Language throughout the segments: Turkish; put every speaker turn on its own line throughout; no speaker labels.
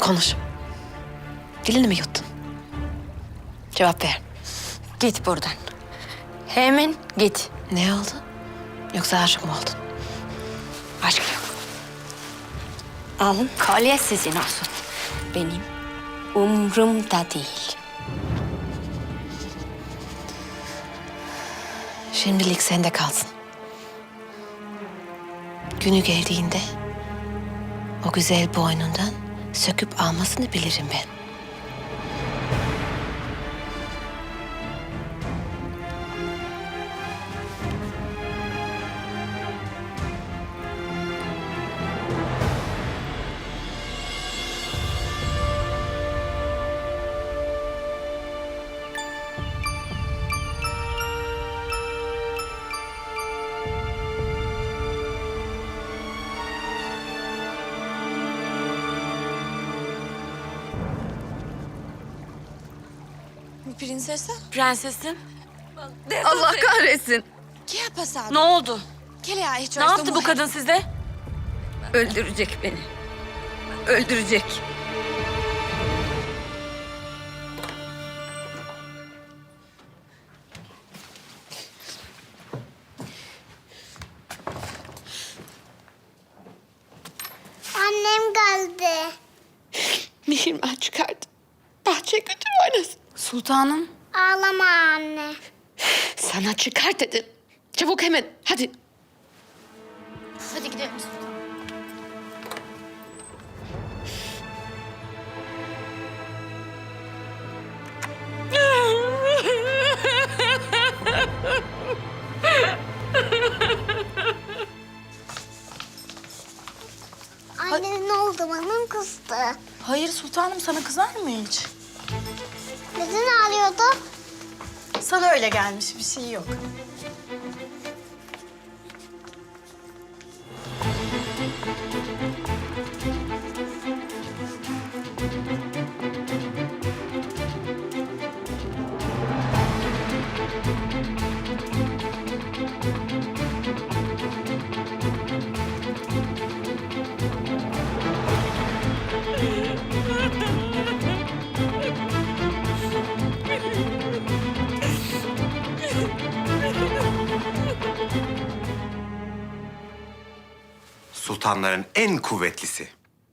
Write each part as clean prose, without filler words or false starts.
Konuş. Dilini mi yuttun? Cevap ver.
Git buradan. Hemen git.
Ne oldu? Yoksa aşık mı oldun?
Aşk yok. Alın, kolye sizin olsun. Benim umrumda değil.
Şimdilik sende kalsın. Günü geldiğinde o güzel boynundan söküp almasını bilirim ben.
Prinsesa?
Prensesim,
Allah kahretsin.
¿Qué ha pasado?
ne oldu?
¿Qué le ha hecho
Ne
a esta
yaptı bu
mujer?
kadın size?
Öldürecek beni. Öldürecek.
Annem geldi.
Mihrimah çıkardı. Bahçeye götür oynasın.
Sultanım.
Ağlama anne.
Sana çıkar dedim. Çabuk hemen hadi.
Hadi gidelim sultanım. Anne ne oldu? Bana mı kızdı?
Hayır sultanım, sana kızar mı hiç?
Neden ağlıyordu?
Sana öyle gelmiş, bir şey yok.
Sultanların en kuvvetlisi.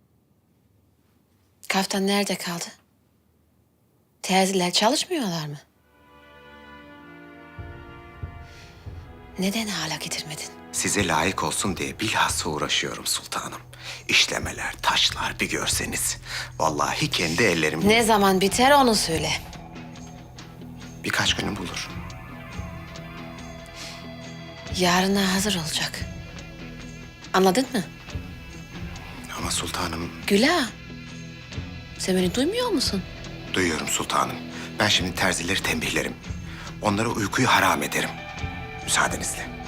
Kaftan nerede kaldı? Terziler çalışmıyorlar mı? Neden hala getirmedin?
Size layık olsun diye bilhassa uğraşıyorum sultanım. İşlemeler, taşlar bir görseniz. Vallahi kendi ellerimle
Ne zaman biter onu söyle.
birkaç günü bulur.
Yarına hazır olacak. Anladın mı?
Ama sultanım,
Güla. Sen beni duymuyor musun?
duyuyorum sultanım. Ben şimdi terzileri tembihlerim. Onlara uykuyu haram ederim. Müsaadenizle.